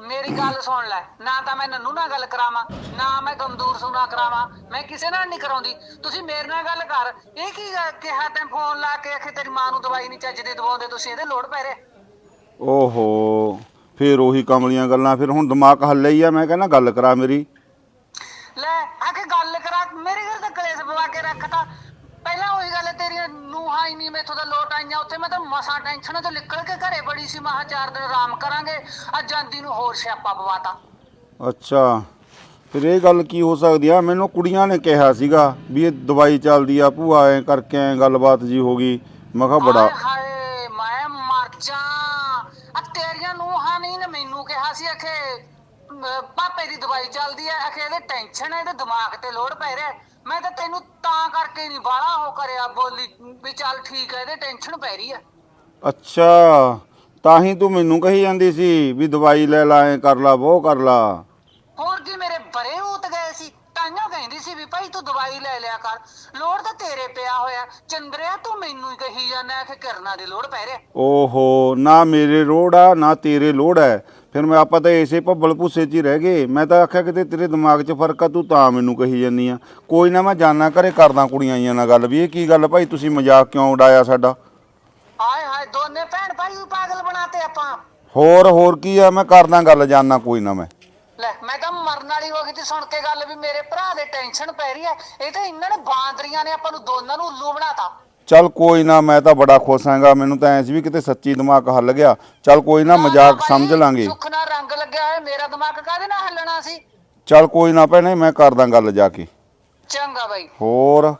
S7: ਮੇਰੀ ਗੱਲ ਸੁਣ ਲੈ, ਨਾ ਤਾਂ ਮੈਂ ਨੰਨੂ ਨਾਲ ਗੱਲ ਕਰਾਵਾਂ, ਨਾ ਮੈਂ ਗਮਦੂਰ ਸੂ ਨਾਲ ਕਰਾਵਾਂ, ਮੈਂ ਕਿਸੇ ਨਾਲ ਨਹੀਂ ਕਰਾਉਂਦੀ। ਤੁਸੀਂ ਮੇਰੇ ਨਾਲ ਗੱਲ ਕਰ। ਇਹ ਕੀ ਕਿਹਾ ਤੈਂ ਫੋਨ ਲਾ ਕੇ ਆਖੇ ਤੇਰੀ ਮਾਂ ਨੂੰ ਦਵਾਈ ਨਹੀਂ ਚੱਜ ਦੀ ਦਵਾਉਂਦੇ ਤੁਸੀਂ, ਇਹਦੇ ਲੋੜ ਪੈ ਰਿਹਾ।
S6: ਓਹੋ ਫਿਰ ਉਹੀ ਕਮਲੀਆਂ ਗੱਲਾਂ। ਫਿਰ ਹੁਣ ਦਿਮਾਗ ਹੱਲੇ ਹੀ ਆ। ਮੈਂ ਕਹਿੰਦਾ ਗੱਲ ਕਰਾ ਮੇਰੀ।
S7: ਲੈ ਆਖੇ ਗੱਲ ਕਰਾ, ਮੇਰੇ ਘਰ ਤਾਂ ਕਲੇਸ਼ ਪਵਾ ਕੇ ਰੱਖਤਾ। ਪਹਿਲਾਂ ਉਹੀ ਗੱਲ ਤੇਰੀਆਂ ਨੂੰਹਾਂ ਹੀ ਨਹੀਂ ਮੈਥੋਂ ਤਾਂ ਲੋਟ ਆਈਆਂ। ਉੱਥੇ ਮੈਂ ਤਾਂ ਮਸਾਂ ਟੈਨਸ਼ਨ ਤੋਂ ਨਿਕਲ ਕੇ ਘਰੇ ਬੜੀ ਸੀ, ਮਹਾ 4 ਦਿਨ ਆਰਾਮ ਕਰਾਂਗੇ। ਅੱਜ ਜਾਂਦੀ ਨੂੰ ਹੋਰ ਸਿਆਪਾ ਪਵਾਤਾ।
S6: ਅੱਛਾ ਫਿਰ ਇਹ ਗੱਲ ਕੀ ਹੋ ਸਕਦੀ ਆ? ਮੈਨੂੰ ਕੁੜੀਆਂ ਨੇ ਕਿਹਾ ਸੀਗਾ ਵੀ ਇਹ ਦਵਾਈ ਚੱਲਦੀ ਆ ਭੂਆ, ਐ ਕਰਕੇ ਐ ਗੱਲਬਾਤ ਜੀ ਹੋ ਗਈ। ਮੈਂ ਕਿਹਾ ਬੜਾ
S7: ਹਾਏ ਮੈਂ ਮਰ ਜਾ। ਆ ਤੇਰੀਆਂ ਨੂੰਹਾਂ ਨਹੀਂ ਨੇ ਮੈਨੂੰ ਕਿਹਾ ਸੀ ਆਖੇ ਪਾਪੇ ਦੀ ਦਵਾਈ ਚੱਲਦੀ ਐ, ਆਖੇ ਇਹਦੇ ਟੈਨਸ਼ਨ ਹੈ, ਇਹਦੇ ਦਿਮਾਗ ਤੇ ਲੋਡ ਪੈ ਰਿਹਾ। ਮੈਂ ਤਾਂ ਤੈਨੂੰ ਤਾਂ ਕਰਕੇ ਨਹੀਂ ਬਾਹਲਾ ਉਹ ਕਰਿਆ, ਬੋਲੀ ਵੀ ਚੱਲ ਠੀਕ ਹੈ ਇਹਦੇ ਟੈਨਸ਼ਨ ਪੈ ਰਹੀ ਆ।
S6: ਅੱਛਾ ਤਾਂ ਹੀ ਤੂੰ ਮੈਨੂੰ ਕਹੀ ਜਾਂਦੀ ਸੀ ਵੀ ਦਵਾਈ ਲੈ ਲਾ, ਐ ਕਰ ਲਾ, ਉਹ ਕਰ ਲਾ।
S7: ਹੋਰ ਕੀ ਮੇਰੇ ਬਰੇ ਉਤ ਗਏ ਸੀ। ਤਾਈਓ ਕਹਿੰਦੀ ਸੀ ਵੀ ਭਾਈ ਤੂੰ ਦਵਾਈ ਲੈ ਲਿਆ ਕਰ, ਲੋੜ ਤਾਂ ਤੇਰੇ ਪਿਆ ਹੋਇਆ। ਚੰਦਰਿਆ ਤੂੰ ਮੈਨੂੰ ਹੀ ਕਹੀ ਜਾਂਦਾ ਕਿ ਕਿਰਨਾਂ ਦੀ ਲੋੜ ਪੈ ਰਿਹਾ।
S6: ਓਹੋ ਨਾ ਮੇਰੇ ਲੋੜ ਆ ਨਾ ਤੇਰੇ ਲੋੜ ਹੈ। ਫਿਰ ਮੈਂ ਆਪਾਂ ਤਾਂ ਇਸੇ ਭੱਬਲ ਭੁੱਸੇ 'ਚ ਹੀ ਰਹਿ ਗਏ। ਮੈਂ ਤਾਂ ਆਖਿਆ ਕਿਤੇ ਤੇਰੇ ਦਿਮਾਗ 'ਚ ਫਰਕ ਆ, ਤੂੰ ਤਾਂ ਮੈਨੂੰ ਕਹੀ ਜਾਂਦੀ ਆ। ਕੋਈ ਨਾ ਮੈਂ ਜਾਣਾ ਘਰੇ ਕਰਦਾ ਕੁੜੀਆਂ ਆਈਆਂ ਨਾਲ ਗੱਲ ਵੀ ਇਹ ਕੀ ਗੱਲ ਭਾਈ ਤੁਸੀਂ ਮਜ਼ਾਕ ਕਿਉਂ ਉਡਾਇਆ ਸਾਡਾ।
S7: ਹਾਏ ਹਾਏ ਦੋਨੇ ਭੈਣ ਭਾਈ ਨੂੰ ਪਾਗਲ ਬਣਾਤੇ ਆਪਾਂ।
S6: ਹੋਰ ਕੀ ਆ, ਮੈਂ ਕਰਦਾ ਗੱਲ, ਜਾਣਾ ਕੋਈ ਨਾ ਮੈਂ।
S7: ਲੈ ਮੈਂ ਤਾਂ ਮਰਨ ਵਾਲੀ ਹੋ ਗਈ ਤੇ ਸੁਣ ਕੇ ਗੱਲ ਵੀ ਮੇਰੇ ਭਰਾ ਦੇ ਟੈਨਸ਼ਨ ਪੈ ਰਹੀ ਹੈ। ਇਹ ਤਾਂ ਇਹਨਾਂ ਨੇ ਬਾਂਦਰੀਆਂ ਨੇ ਆਪਾਂ ਨੂੰ ਦੋਨਾਂ ਨੂੰ ਉੱਲੂ ਬਣਾਤਾ।
S6: ਚੱਲ ਕੋਈ ਨਾ, ਮੈਂ ਤਾਂ ਬੜਾ ਖੁਸ਼ ਹਾਂਗਾ। ਮੈਨੂੰ ਤਾਂ ਐਂ ਸੀ ਵੀ ਕਿਤੇ ਸੱਚੀ ਦਿਮਾਗ ਹੱਲ ਗਿਆ। ਚੱਲ ਕੋਈ ਨਾ, ਮਜ਼ਾਕ ਸਮਝ ਲਾਂਗੇ।
S7: ਸੁੱਖ ਨਾਲ ਰੰਗ ਲੱਗਿਆ ਹੋਇਆ, ਮੇਰਾ ਦਿਮਾਗ ਕਾਹਦੇ ਨਾਲ ਹੱਲਣਾ ਸੀ।
S6: ਚੱਲ ਕੋਈ ਨਾ ਭੈਣੇ, ਮੈਂ ਕਰਦਾ ਗੱਲ ਜਾ ਕੇ।
S7: ਚੰਗਾ ਬਾਈ।
S6: ਹੋਰ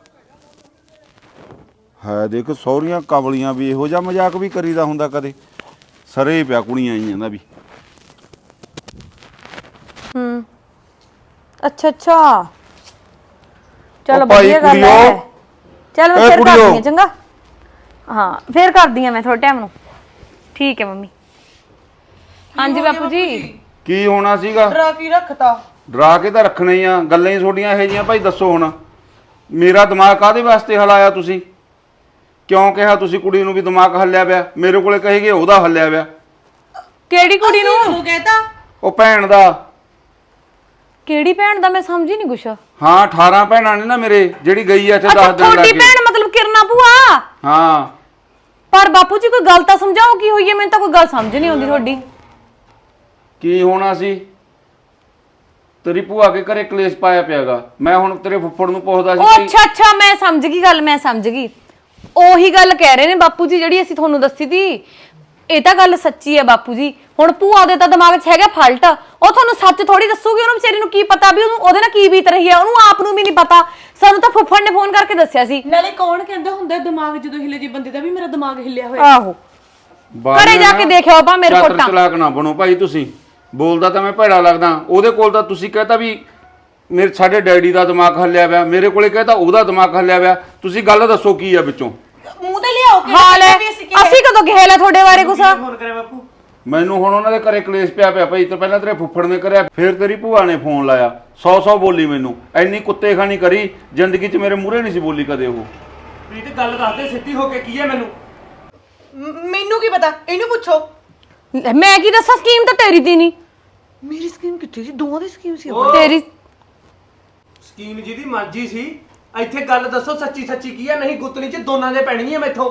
S6: ਹੈ ਦੇਖ ਸਹੁਰੀਆਂ ਕਮਲੀਆਂ ਵੀ ਇਹੋ ਜਿਹਾ ਮਜ਼ਾਕ ਵੀ ਕਰੀਦਾ ਹੁੰਦਾ ਕਦੇ। ਸਰੇ ਪਿਆ ਕੁੜੀਆਂ ਆਈਆਂ ਦਾ ਵੀ।
S2: ਅੱਛਾ ਚਲ
S6: ਉਹ ਭਾਈ
S2: ਵਧੀਆ ਗੱਲ
S6: ਕੁੜੀਓ।
S2: ਹੈ। ਚਲ ਮੈਂ
S6: ਏ
S2: ਫਿਰ
S6: ਕੁੜੀਓ।
S2: ਕਰਦੀ ਆ ਚੰਗਾ। ਹਾਂ ਫਿਰ ਕਰਦੀ ਆ ਮੈਂ ਥੋੜੇ ਟਾਈਮ ਨੂੰ। ਠੀਕ ਹੈ ਮੰਮੀ। ਹਾਂਜੀ ਬਾਪੂ ਜੀ।
S6: ਕੀ ਹੋਣਾ ਸੀਗਾ?
S3: ਡਰਾ ਕੀ ਰੱਖਤਾ?
S6: ਡਰਾ ਕੇ ਤਾਂ ਰੱਖਣਾ ਹੀ ਆ। ਗੱਲਾਂ ਹੀ ਤੁਹਾਡੀਆਂ ਇਹੋ ਜਿਹੀਆਂ ਭਾਈ। ਦੱਸੋ ਹੁਣ ਮੇਰਾ ਦਿਮਾਗ ਕਾਹਦੇ ਵਾਸਤੇ ਹਲਾਇਆ ਤੁਸੀਂ? ਕਿਉਂ ਕਿਹਾ ਤੁਸੀਂ ਕੁੜੀ ਨੂੰ ਵੀ ਦਿਮਾਗ ਹੱਲਿਆ ਪਿਆ? ਮੇਰੇ ਕੋਲੇ ਕਹੇਗੇ ਉਹਦਾ ਹੱਲਿਆ ਪਿਆ।
S2: ਕਿਹੜੀ ਕੁੜੀ ਨੂੰ?
S3: ਤੂੰ ਕਹਿਤਾ
S6: ਉਹ ਭੈਣ ਦਾ।
S2: ਕਿਹੜੀ ਭੈਣ ਦਾ? ਮੈਂ ਸਮਝੀ ਨਹੀਂ ਕੁਛ।
S6: ਹਾਂ 18 ਭੈਣਾਂ ਨੇ ਨਾ ਮੇਰੇ, ਜਿਹੜੀ ਗਈ ਆ ਇੱਥੇ 10 ਦਿਨ
S2: ਤੁਹਾਡੀ
S6: ਲੱਗ
S2: ਭੈਣ ਮਤਲਬ ਕਿਰਨਾ ਭੂਆ?
S6: ਹਾਂ
S2: ਪਰ ਬਾਪੂ ਜੀ ਕੋਈ ਗੱਲ ਤਾਂ ਸਮਝਾਓ ਕੀ ਹੋਈ ਹੈ। ਮੈਨੂੰ ਤਾਂ ਕੋਈ ਗੱਲ ਸਮਝ ਨਹੀਂ ਆਉਂਦੀ ਤੁਹਾਡੀ।
S6: ਕੀ ਹੋਣਾ ਸੀ? ਤੇਰੀ ਭੂਆ ਕੇ ਘਰੇ ਕਲੇਸ਼ ਪਾਇਆ ਪਿਆਗਾ। ਮੈਂ ਹੁਣ ਤੇਰੇ ਫੁੱਫੜ ਨੂੰ ਪੁੱਛਦਾ
S2: ਉਹ
S6: ਸੀ ਕਿ
S2: ਅੱਛਾ ਮੈਂ ਸਮਝ ਗਈ ਗੱਲ, ਮੈਂ ਸਮਝ ਗਈ। ਉਹੀ ਗੱਲ ਕਹਿ ਰਹੇ ਨੇ ਬਾਪੂ ਜੀ ਜਿਹੜੀ ਅਸੀਂ ਤੁਹਾਨੂੰ ਦੱਸੀ ਸੀ। ਇਹ ਤਾਂ ਗੱਲ ਸੱਚੀ ਹੈ ਬਾਪੂ ਜੀ। ਹੁਣ ਭੂਆ ਦੇ ਤਾਂ ਦਿਮਾਗ 'ਚ ਹੈਗਾ ਫਾਲਟ। ਉਹ ਤੁਹਾਨੂੰ ਸੱਚ ਥੋੜੀ ਦੱਸੂਗੀ। ਉਹਨੂੰ ਵਿਚਾਰੀ ਨੂੰ ਕੀ ਪਤਾ ਵੀ ਉਹਨੂੰ ਉਹਦੇ ਨਾਲ ਕੀ ਬੀਤ ਰਹੀ ਹੈ। ਉਹਨੂੰ ਆਪ ਨੂੰ ਵੀ ਨਹੀਂ ਪਤਾ। ਸਾਨੂੰ ਤਾਂ ਫੁੱਫੜ ਨੇ ਫੋਨ ਕਰਕੇ ਦੱਸਿਆ ਸੀ।
S3: ਨਾਲੇ ਕੌਣ ਕਹਿੰਦਾ ਹੁੰਦਾ ਦਿਮਾਗ ਜਦੋਂ ਹਿੱਲੇ ਜੇ ਬੰਦੇ ਦਾ ਵੀ ਮੇਰਾ ਦਿਮਾਗ ਹਿੱਲਿਆ ਹੋਇਆ।
S2: ਆਹੋ ਘਰੇ ਜਾ ਕੇ ਦੇਖਿਓ ਬਾ ਮੇਰੇ
S6: ਚਾਤਰ
S2: ਫੋਟਾਂ।
S6: ਚਲਾਕ ਨਾ ਬਣੋ ਭਾਈ ਤੁਸੀਂ। ਬੋਲਦਾ ਤਾਂ ਮੈਂ ਭੈੜਾ ਲੱਗਦਾ। ਉਹਦੇ ਕੋਲ ਤਾਂ ਤੁਸੀਂ ਕਹਤਾ ਵੀ ਸਾਡੇ ਡੈਡੀ ਦਾ ਦਿਮਾਗ ਹੱਲਿਆ ਪਿਆ, ਮੇਰੇ ਕੋਲੇ ਕਹਤਾ ਉਹਦਾ ਦਿਮਾਗ ਹੱਲਿਆ ਪਿਆ। ਤੁਸੀਂ ਗੱਲ ਦੱਸੋ ਕੀ ਆ ਵਿੱਚੋਂ?
S3: ਮੂੰਹ ਤੇ ਲਿਆਓ ਕਿ
S2: ਹਾਲ ਹੈ ਅਸੀਂ ਕਦੋਂ ਕਹੇ ਲਾ ਤੁਹਾਡੇ ਬਾਰੇ ਕੁਛ?
S6: ਮੈਨੂੰ ਹੁਣ ਉਹਨਾਂ ਦੇ ਘਰੇ ਕਲੇਸ਼ ਪਿਆ ਭਾਈ। ਤੇ ਪਹਿਲਾਂ ਤੇਰੇ ਫੁੱਫੜ ਨੇ ਕਰਿਆ, ਫਿਰ ਤੇਰੀ ਭੂਆ ਨੇ ਫੋਨ ਲਾਇਆ। 100 ਬੋਲੀ ਮੈਨੂੰ। ਐਨੀ ਕੁੱਤੇ ਖਾਣੀ ਕਰੀ ਜ਼ਿੰਦਗੀ 'ਚ ਮੇਰੇ ਮੂਹਰੇ ਨਹੀਂ ਸੀ ਬੋਲੀ ਕਦੇ ਉਹ।
S8: ਪ੍ਰੀਤ ਗੱਲ ਦੱਸਦੇ ਸਿੱਧੀ ਹੋ ਕੇ ਕੀ ਹੈ ਮੈਨੂੰ?
S3: ਮੈਨੂੰ ਕੀ ਪਤਾ, ਇਹਨੂੰ ਪੁੱਛੋ।
S2: ਮੈਂ ਕੀ ਦੱਸਾਂ? ਸਕੀਮ ਤਾਂ ਤੇਰੀ ਦੀ ਨਹੀਂ।
S3: ਮੇਰੀ ਸਕੀਮ ਕਿੱਥੇ ਸੀ? ਦੋਵਾਂ ਦੀ ਸਕੀਮ ਸੀ।
S2: ਤੇਰੀ
S8: ਸਕੀਮ ਜਿਹਦੀ ਮਰਜ਼ੀ ਸੀ। ਇੱਥੇ ਗੱਲ ਦੱਸੋ ਸੱਚੀ ਕੀ ਹੈ? ਨਹੀਂ ਗੁੱਤਨੀ 'ਚ ਦੋਨਾਂ ਦੇ ਪੈਣੀ ਹੈ ਮੈਥੋਂ।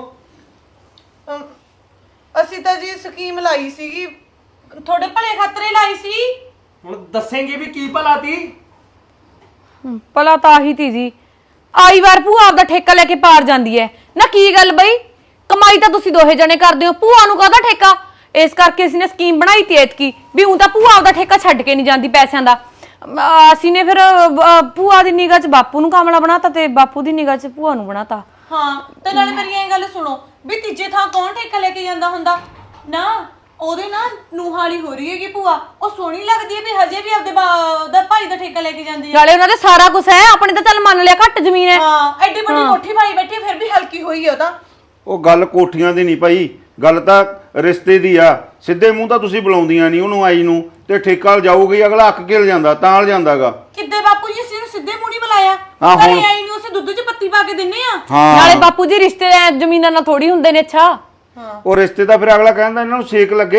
S3: ਅਸੀਂ ਤਾਂ ਜੀ ਸਕੀਮ ਲਾਈ ਸੀਗੀ, ਤੁਹਾਡੇ ਭਲੇ ਖਾਤਰੇ ਲਾਈ ਸੀ।
S8: ਹੁਣ ਦੱਸੇਂਗੇ ਵੀ ਕੀ ਭਲਾ ਤੀ?
S2: ਭਲਾ ਤਾਂ ਆਹੀ ਤੀ ਜੀ। ਆਈ ਵਾਰ ਭੂਆ ਆਪਦਾ ਠੇਕਾ ਲੈ ਕੇ ਪਾਰ ਜਾਂਦੀ ਹੈ ਨਾ। ਕੀ ਗੱਲ ਬਈ, ਕਮਾਈ ਤਾਂ ਤੁਸੀਂ ਦੋਹੇ ਜਣੇ ਕਰਦੇ ਹੋ, ਭੂਆ ਨੂੰ ਕਾਹਦਾ ਠੇਕਾ? ਇਸ ਕਰਕੇ ਅਸੀਂ ਨੇ ਸਕੀਮ ਬਣਾਈ ਤੀ ਐਤਕੀ ਵੀ ਉਹ ਤਾਂ ਭੂਆ ਆਪਦਾ ਠੇਕਾ ਛੱਡ ਕੇ ਨਹੀਂ ਜਾਂਦੀ ਪੈਸਿਆਂ ਦਾ। ਅਸੀਂ ਨੇ ਫਿਰ ਭੂਆ ਦੀ ਨਿਗਾਹ 'ਚ ਬਾਪੂ ਨੂੰ ਕਾਮਲਾ ਬਣਾਤਾ ਤੇ ਬਾਪੂ ਦੀ ਨਿਗਾਹ 'ਚ ਭੂਆ ਨੂੰ ਬਣਾਤਾ।
S3: ਹਾਂ ਤੇ ਨਾਲੇ ਮੇਰੀ ਇਹ ਗੱਲ ਸੁਣੋ ਵੀ ਤੀਜੇ ਥਾਂ ਕੌਣ ਠੇਕਾ ਲੈ ਕੇ ਜਾਂਦਾ ਹੁੰਦਾ ਨਾ? ਉਹਦੇ ਨਾਲ ਨੂਹਾਲੀ ਹੋ ਰਹੀ ਹੈਗੀ ਭੂਆ। ਉਹ ਸੋਹਣੀ ਲੱਗਦੀ ਹੈ ਵੀ ਹਜੇ ਵੀ ਆਪਦੇ ਦਾ ਭਾਈ ਦਾ ਠੇਕਾ ਲੈ ਕੇ ਜਾਂਦੀ ਹੈ।
S2: ਨਾਲੇ ਉਹਨਾਂ ਦੇ ਸਾਰਾ ਕੁਝ ਹੈ, ਆਪਣੇ ਤਾਂ ਚੱਲ ਮੰਨ ਲਿਆ ਘੱਟ ਜ਼ਮੀਨ ਹੈ।
S3: ਹਾਂ ਐਡੀ ਵੱਡੀ ਕੋਠੀ ਪਾਈ ਬੈਠੀ ਫਿਰ ਵੀ ਹਲਕੀ ਹੋਈ ਹੈ ਉਹ ਤਾਂ।
S6: ਉਹ ਗੱਲ ਕੋਠੀਆਂ ਦੀ ਨਹੀਂ ਭਾਈ, ਗੱਲ ਤਾਂ ਰਿਸ਼ਤੇ ਦੀ ਆ। ਸਿੱਧੇ ਮੂੰਹ ਤਾਂ ਤੁਸੀਂ ਬੁਲਾਉਂਦੀਆਂ ਨਹੀਂ ਉਹਨੂੰ ਆਈ ਨੂੰ, ਤੇ ਠੇਕਾ ਜਾਊਗੀ ਅਗਲਾ ਅੱਕ ਕੇ ਜਾਂਦਾ ਤਾਂ ਲ ਜਾਂਦਾਗਾ।
S3: ਕਿੱਦੇ ਬਾਪੂ ਜੀ ਅਸੀਂ ਨੂੰ ਸਿੱਧੇ ਮੂੰਹ ਨਹੀਂ ਬੁਲਾਇਆ।
S6: ਹਾਂ, ਹੁਣ-
S3: ਘਰੇ ਆਈ ਨੂੰ ਅਸੀਂ ਦੁੱਧ 'ਚ ਪੱਤੀ ਪਾ ਕੇ ਦਿੰਨੇ ਆ।
S2: ਨਾਲੇ ਬਾਪੂ ਜੀ ਰਿਸ਼ਤੇ ਜ਼ਮੀਨਾਂ ਨਾਲ ਥੋੜੀ ਹੁੰਦੇ ਨੇ। ਅੱਛਾ
S6: ਉਹ ਰਿਸ਼ਤੇ ਤਾਂ ਫਿਰ ਅਗਲਾ ਕਹਿੰਦਾ ਇਹਨਾਂ ਨੂੰ ਸੇਕ ਲੱਗੇ।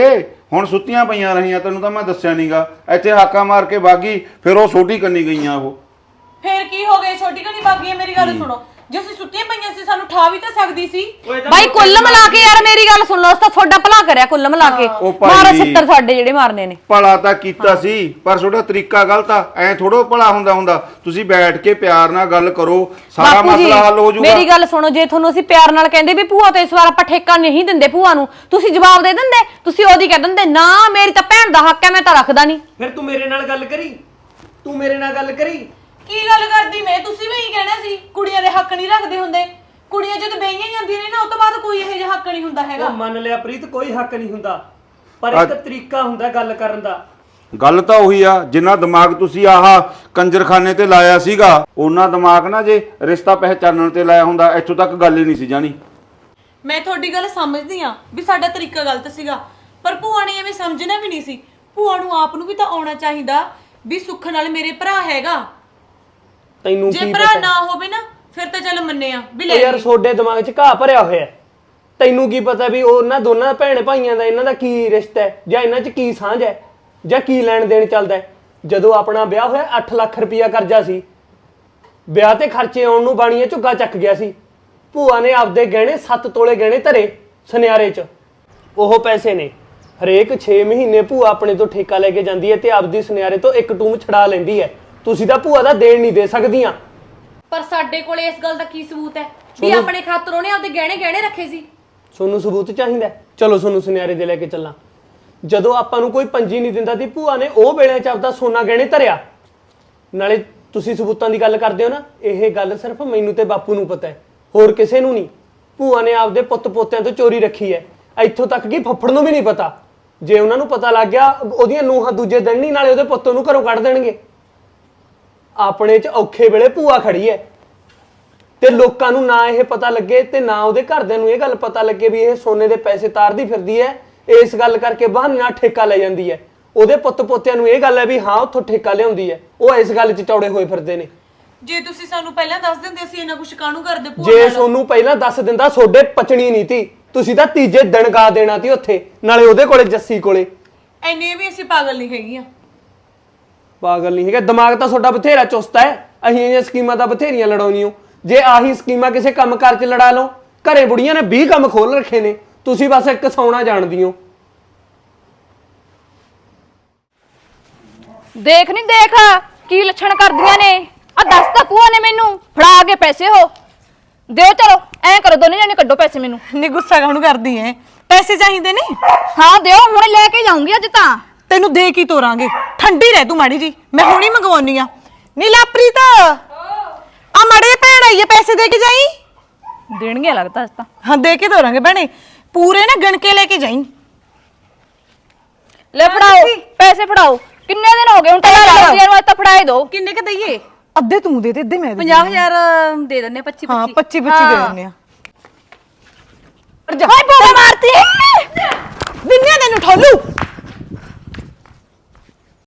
S6: ਹੁਣ ਸੁੱਤੀਆਂ ਪਈਆਂ ਰਹੀਆਂ, ਤੈਨੂੰ ਤਾਂ ਮੈਂ ਦੱਸਿਆ ਨਹੀਂਗਾ। ਇੱਥੇ ਹਾਕਾ ਮਾਰ ਕੇ ਬਾਗੀ, ਫਿਰ ਉਹ ਛੋਟੀ ਕੰਨੀ ਗਈਆਂ ਉਹ।
S3: ਫੇਰ ਕੀ ਹੋ ਗਿਆ, ਛੋਟੀ ਘਣੀ ਬਾਗੀ ਹੈ? ਮੇਰੀ ਗੱਲ ਸੁਣੋ, ਜੇ ਅਸੀਂ ਸੁੱਤੀਆਂ ਪਈਆਂ ਸੀ ਸਾਨੂੰ ਠਾ ਵੀ ਤਾਂ ਸਕਦੀ ਸੀ।
S2: ਬਾਈ ਕੁੱਲ ਮਿਲਾ ਕੇ ਯਾਰ ਮੇਰੀ ਗੱਲ ਸੁਣ ਲਓ, ਉਸ ਤਾਂ ਤੁਹਾਡਾ ਭਲਾ ਕਰਿਆ ਕੁੱਲ ਮਿਲਾ ਕੇ।
S6: ਉਹ ਭਾਈ
S2: ਮਾਰਾ ਛਿੱਤਰ ਸਾਡੇ ਜਿਹੜੇ ਮਾਰਨੇ ਨੇ।
S6: ਭਲਾ ਤਾਂ ਕੀਤਾ ਸੀ, ਪਰ ਤੁਹਾਡਾ ਤਰੀਕਾ ਗਲਤ ਆ। ਐ ਥੋੜੋ ਭਲਾ ਹੁੰਦਾ। ਤੁਸੀਂ ਬੈਠ ਕੇ ਪਿਆਰ ਨਾਲ ਗੱਲ ਕਰੋ, ਸਾਰਾ
S2: ਬਾਪੂ ਜੀ,
S6: ਮਸਲਾ ਹੱਲ ਹੋ ਜਾਊਗਾ।
S2: ਮੇਰੀ ਗੱਲ ਸੁਣੋ, ਜੇ ਤੁਹਾਨੂੰ ਅਸੀਂ ਪਿਆਰ ਨਾਲ ਕਹਿੰਦੇ ਵੀ ਭੂਆ ਤੋਂ ਇਸ ਵਾਰ ਆਪਾਂ ਠੇਕਾ ਨਹੀਂ ਦਿੰਦੇ ਭੂਆ ਨੂੰ, ਤੁਸੀਂ ਜਵਾਬ ਦੇ ਦਿੰਦੇ? ਤੁਸੀਂ ਉਹਦੀ ਕਹਿ ਦਿੰਦੇ ਨਾ ਮੇਰੀ ਤਾਂ ਭੈਣ ਦਾ ਹੱਕ ਹੈ, ਮੈਂ ਤਾਂ ਰੱਖਦਾ ਨਹੀਂ।
S8: ਫਿਰ ਤੂੰ ਮੇਰੇ ਨਾਲ ਗੱਲ ਕਰੀ, ਤੂੰ ਮੇਰੇ ਨਾਲ ਗੱਲ ਕਰੀ।
S3: ਕੀ ਗੱਲ ਕਰਦੀ ਮੈਂ? ਤੁਸੀਂ ਵੀ ਇਹੀ ਕਹਿਣਾ ਸੀ ਕੁੜੀਆਂ ਦੇ ਹੱਕ ਨਹੀਂ ਰੱਖਦੇ ਹੁੰਦੇ। ਕੁੜੀਆਂ ਜਦੋਂ ਵਿਆਹੀਆਂ ਜਾਂਦੀਆਂ ਨੇ ਨਾ, ਉਸ ਤੋਂ ਬਾਅਦ ਕੋਈ ਇਹੋ ਜਿਹਾ ਹੱਕ ਨਹੀਂ ਹੁੰਦਾ ਹੈਗਾ।
S8: ਉਹ ਮੰਨ ਲਿਆ ਪ੍ਰੀਤ, ਕੋਈ ਹੱਕ ਨਹੀਂ ਹੁੰਦਾ, ਪਰ ਇੱਕ ਤਰੀਕਾ ਹੁੰਦਾ ਗੱਲ ਕਰਨ ਦਾ।
S6: ਗੱਲ ਤਾਂ ਉਹੀ ਆ, ਜਿੰਨਾ ਦਿਮਾਗ ਤੁਸੀਂ ਆਹ ਕੰਜਰਖਾਨੇ ਤੇ ਲਾਇਆ ਸੀਗਾ, ਉਹਨਾਂ ਦਿਮਾਗ ਨਾ ਜੇ ਰਿਸ਼ਤਾ ਪਹਿਚਾਨਣ ਤੇ ਲਾਇਆ ਹੁੰਦਾ, ਇੱਥੋਂ ਤੱਕ ਗੱਲ ਹੀ ਨਹੀਂ ਸੀ ਜਾਣੀ।
S3: ਮੈਂ ਤੁਹਾਡੀ ਗੱਲ ਸਮਝਦੀ ਆ ਵੀ ਸਾਡਾ ਤਰੀਕਾ ਗਲਤ ਸੀਗਾ, ਪਰ ਭੂਆ ਨੇ ਐਵੇਂ ਸਮਝਣਾ ਵੀ ਨਹੀਂ ਸੀ। ਭੂਆ ਨੂੰ ਆਪ ਨੂੰ ਵੀ ਤਾਂ ਆਉਣਾ ਚਾਹੀਦਾ ਵੀ ਸੁੱਖ ਨਾਲ ਮੇਰੇ ਭਰਾ ਹੈਗਾ।
S8: ਤੈਨੂੰ
S3: ਜੇ
S8: ਕੀ
S3: ਭਰਾ
S8: ਪਤਾ?
S3: ਨਾ ਹੋਵੇ ਨਾ, ਫਿਰ ਤਾਂ ਚੱਲ ਮੰਨੇ ਆ ਵੀ ਲੈ
S8: ਉਹ ਯਾਰ ਤੁਹਾਡੇ ਦਿਮਾਗ 'ਚ ਘਾਹ ਭਰਿਆ ਹੋਇਆ ਹੈ। ਤੈਨੂੰ ਕੀ ਪਤਾ ਵੀ ਉਹਨਾਂ ਦੋਨਾਂ ਭੈਣ ਭਾਈਆਂ ਦਾ ਇਹਨਾਂ ਦਾ ਕੀ ਰਿਸ਼ਤਾ ਹੈ, ਜਾਂ ਇਹਨਾਂ 'ਚ ਕੀ ਸਾਂਝ ਹੈ, ਜਾਂ ਕੀ ਲੈਣ ਦੇਣ ਚੱਲਦਾ ਹੈ। ਜਦੋਂ ਆਪਣਾ ਵਿਆਹ ਹੋਇਆ 8 ਲੱਖ ਰੁਪਇਆ ਕਰਜ਼ਾ ਸੀ, ਵਿਆਹ ਤੇ ਖਰਚੇ ਆਉਣ ਨੂੰ ਬਾਣੀਆਂ ਝੁੱਗਾ ਚੱਕ ਗਿਆ ਸੀ। ਭੂਆ ਨੇ ਆਪਦੇ ਗਹਿਣੇ 7 ਤੋਲੇ ਗਹਿਣੇ ਧਰੇ ਸੁਨਿਆਰੇ 'ਚ। ਉਹ ਪੈਸੇ ਨੇ ਹਰੇਕ 6 ਮਹੀਨੇ ਭੂਆ ਆਪਣੇ ਤੋਂ ਠੇਕਾ ਲੈ ਕੇ ਜਾਂਦੀ ਹੈ ਤੇ ਆਪਦੀ ਸੁਨਿਆਰੇ ਤੋਂ ਇੱਕ ਟੂਮ ਛੜਾ ਲੈਂਦੀ ਹੈ। ਤੁਸੀਂ ਤਾਂ ਭੂਆ ਦਾ ਦੇਣ ਨਹੀਂ ਦੇ ਸਕਦੀਆਂ।
S2: ਪਰ ਸਾਡੇ ਕੋਲੇ ਇਸ ਗੱਲ ਦਾ ਕੀ ਸਬੂਤ ਹੈ ਵੀ ਆਪਣੇ ਖਾਤਰ ਉਹਨੇ ਆਪਦੇ ਗਹਿਣੇ ਰੱਖੇ ਸੀ?
S8: ਤੁਹਾਨੂੰ ਸਬੂਤ ਚਾਹੀਦਾ? ਚਲੋ ਤੁਹਾਨੂੰ ਸੁਨਿਆਰੇ ਦੇ ਲੈ ਕੇ ਚੱਲਾਂ। ਜਦੋਂ ਆਪਾਂ ਨੂੰ ਕੋਈ ਪੰਜੀ ਨਹੀਂ ਦਿੰਦਾ ਸੀ, ਭੂਆ ਨੇ ਉਹ ਵੇਲੇ 'ਚ ਆਪਦਾ ਸੋਨਾ ਗਹਿਣੇ ਧਰਿਆ। ਨਾਲੇ ਤੁਸੀਂ ਸਬੂਤਾਂ ਦੀ ਗੱਲ ਕਰਦੇ ਹੋ ਨਾ, ਇਹ ਗੱਲ ਸਿਰਫ ਮੈਨੂੰ ਤੇ ਬਾਪੂ ਨੂੰ ਪਤਾ ਹੈ, ਹੋਰ ਕਿਸੇ ਨੂੰ ਨਹੀਂ। ਭੂਆ ਨੇ ਆਪਦੇ ਪੁੱਤ ਪੋਤਿਆਂ ਤੋਂ ਚੋਰੀ ਰੱਖੀ ਹੈ, ਇੱਥੋਂ ਤੱਕ ਕਿ ਫੱਫੜ ਨੂੰ ਵੀ ਨਹੀਂ ਪਤਾ। ਜੇ ਉਹਨਾਂ ਨੂੰ ਪਤਾ ਲੱਗ ਗਿਆ, ਉਹਦੀਆਂ ਨੂੰਹਾਂ ਦੂਜੇ ਦਿਨ ਨਹੀਂ ਨਾਲੇ ਉਹਦੇ ਪੁੱਤ ਨੂੰ ਘਰੋਂ ਕੱਢ ਦੇਣਗੇ। ਆਪਣੇ 'ਚ ਔਖੇ ਵੇਲੇ ਭੂਆ ਖੜੀ ਹੈ, ਤੇ ਲੋਕਾਂ ਨੂੰ ਨਾ ਇਹ ਪਤਾ ਲੱਗੇ ਤੇ ਨਾ ਉਹਦੇ ਘਰਦਿਆਂ ਨੂੰ ਇਹ ਗੱਲ ਪਤਾ ਲੱਗੇ ਵੀ ਇਹ ਸੋਨੇ ਦੇ ਪੈਸੇ ਤਾਰਦੀ ਫਿਰਦੀ ਹੈ। ਇਸ ਗੱਲ ਕਰਕੇ ਬਹਾਨੇ ਨਾਲ ਠੇਕਾ ਲੈ ਜਾਂਦੀ ਹੈ। ਉਹਦੇ ਪੁੱਤ ਪੋਤਿਆਂ ਨੂੰ ਇਹ ਗੱਲ ਹੈ ਵੀ ਹਾਂ ਉੱਥੋਂ ਠੇਕਾ ਲਿਆਉਂਦੀ ਹੈ। ਉਹ ਇਸ ਗੱਲ 'ਚ ਚੌੜੇ ਹੋਏ ਫਿਰਦੇ ਨੇ।
S3: ਜੇ ਤੁਸੀਂ ਸਾਨੂੰ ਪਹਿਲਾਂ ਦੱਸ ਦਿੰਦੇ ਅਸੀਂ ਇਹਨਾਂ ਕੁਝ ਕਾਹਨੂੰ ਕਰਦੇ ਭੂਆ
S8: ਜੇ
S3: ਨਾਲ?
S8: ਤੁਹਾਨੂੰ ਪਹਿਲਾਂ ਦੱਸ ਦਿੰਦਾ, ਤੁਹਾਡੇ ਪਚਣੀ ਨਹੀਂ ਤੀ। ਤੁਸੀਂ ਤਾਂ ਤੀਜੇ ਦਿਨ ਗਾ ਦੇਣਾ ਤੀ ਉੱਥੇ, ਨਾਲੇ ਉਹਦੇ ਕੋਲੇ ਜੱਸੀ ਕੋਲੇ।
S3: ਐਨੇ ਵੀ ਅਸੀਂ ਪਾਗਲ ਨਹੀਂ ਹੈਗੀਆਂ।
S8: ਪਾਗਲ ਨਹੀਂ ਹੈਗਾ, ਦਿਮਾਗ ਤਾਂ ਤੁਹਾਡਾ ਬਥੇਰਾ ਚੁਸਤ ਹੈ। ਅਸੀਂ ਇਹ ਸਕੀਮਾਂ ਤਾਂ ਬਥੇਰੀਆਂ ਲੜਾਉਣੀਆਂ। ਜੇ ਆਹੀ ਸਕੀਮਾਂ ਕਿਸੇ ਕੰਮਕਾਰ 'ਚ ਲੜਾ ਲਓ, ਘਰੇ ਬੁੜੀਆਂ ਨੇ 20 ਕੰਮ ਖੋਲ ਰੱਖੇ ਨੇ, ਤੁਸੀਂ ਬਸ ਇੱਕ ਸੌਣਾ ਜਾਣਦੀ ਹੋ।
S1: ਦੇਖ ਨਹੀਂ ਦੇਖ ਕੀ ਲੱਛਣ ਕਰਦੀਆਂ ਨੇ। ਆ ਦੱਸ ਤਾਂ ਭੂਆ ਨੇ ਮੈਨੂੰ ਫੜਾ ਕੇ ਪੈਸੇ ਹੋ ਦਿਓ। ਚਲੋ ਐਂ ਕਰੋ, ਦੋਨੇ ਜਾਨੇ ਕੱਢੋ ਪੈਸੇ ਮੈਨੂੰ।
S3: ਨਹੀਂ ਗੁੱਸਾ ਕਾਹਨੂੰ ਕਰਦੀ ਐ? ਪੈਸੇ ਚਾਹੀਦੇ ਨੇ?
S1: ਹਾਂ ਦਿਓ, ਹੁਣ ਲੈ ਕੇ ਜਾਊਂਗੀ ਅੱਜ ਤਾਂ।
S3: ਤੈਨੂੰ ਦੇ ਕੀ ਤੋਰਾਂਗੇ, ਠੰਡੀ ਰਹਿ ਤੂੰ ਮਾੜੀ ਜੀ, ਮੈਂ ਹੁਣੀ ਮੰਗਵਾਉਣੀ ਆ। ਨੀ ਲਾਪ੍ਰੀਤ, ਆ ਮਾੜੇ ਭੈਣ ਆਈ ਐ, ਪੈਸੇ ਦੇ ਕੇ ਜਾਈ।
S1: ਦੇਣਗੇ ਲੱਗਦਾ ਅੱਜ ਤਾਂ।
S3: ਹਾਂ ਦੇ ਕੇ ਤੋਰਾਂਗੇ ਭੈਣੇ, ਪੂਰੇ ਨਾ ਗਣ ਕੇ ਲੈ ਕੇ ਜਾਈ।
S1: ਲੈ ਫੜਾਓ ਪੈਸੇ, ਫੜਾਓ। ਕਿੰਨੇ ਦਿਨ ਹੋ ਗਏ ਹੁਣ ਤਾਂ ਲੱਗਦੀਆਂ ਨੂੰ, ਅੱਜ ਤਾਂ ਫੜਾਏ ਦੋ।
S3: ਕਿੰਨੇ ਕ ਦਈਏ? ਅੱਧੇ ਤੂੰ ਦੇ ਅੱਧੇ ਮੈਂ
S2: 50,000 ਦੇ ਦਿੰਨੇ 25
S3: ਹਾਂ 25 ਦੇ ਦਿੰਨੇ ਆ।
S1: ਹਾਏ ਬੋਲ ਮਾਰਤੀ
S3: ਦਿੰਨੇ ਤੈਨੂੰ ਠੋਲੂ।